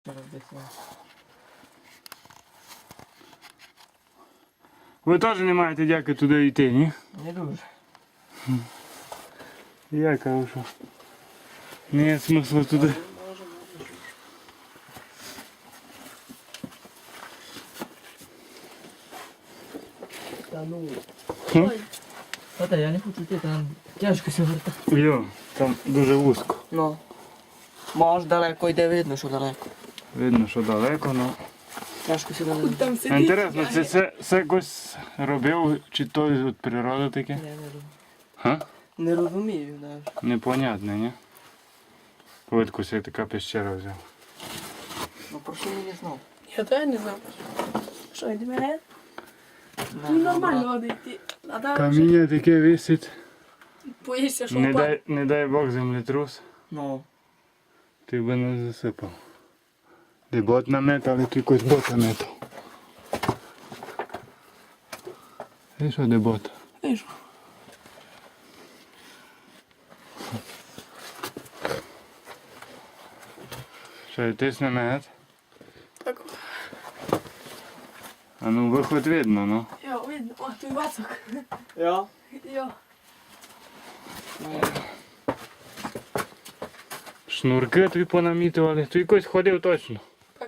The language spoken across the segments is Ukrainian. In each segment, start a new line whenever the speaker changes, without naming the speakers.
Ви теж не маєте дяки туди йти, ні?
Не дуже.
Я кажу, що немає смисла туди.
Та ну.
Хм?
Та я не хочу йти, там тяжко сьогодні.
Йо, там дуже вузько.
Ну. Може далеко йде, видно, що далеко.
Видно, що далеко, але...
Тяжко сьогодні.
Там сидить.
Інтересно, це хтось робив, чи то від природи таке?
Я не розумію.
Ха?
Не розумію навіть.
Непонятне, ні? Видкусь я така пещера взяв.
Ну про що я не знав.
Я теж не знав. Що, йдемо геть? Тут нормально буде йти. А там вже
Каміння таке висить.
боїшся, що
Не
впаде.
дай Бог землетрус,
Ну.
ти би не засипав. Де бот намет, але ти якось бота метав. І що де бот?
Вижу.
Що, тисне намет?
Так,
А ну виход видно, ну.
йо, видно. О, той вацок.
Я?
Йо.
Шнурки тобі понамітували, ти якось ходив точно.
Так.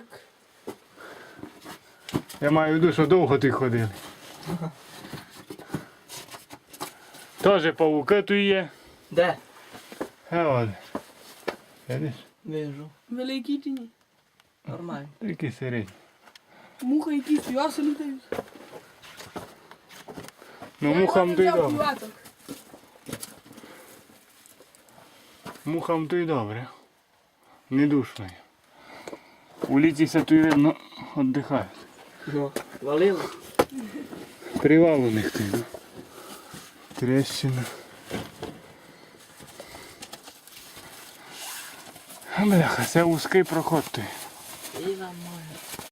Я маю в виду, що довго ти ходив. Тоже павуки тут є.
Де?
А от. Видиш?
Вижу.
Великий чи ні?
Нормально.
Такі середні.
Муха якісь яси літають.
Ну мухам то й
взяв той
добре.
вацок.
Мухам то й добре. Не душно. У літіся то й видно віддихають.
Ну. Валило?
Привал у них той, ну. Трещина. А бляха, це вузький проход той.
І за мною.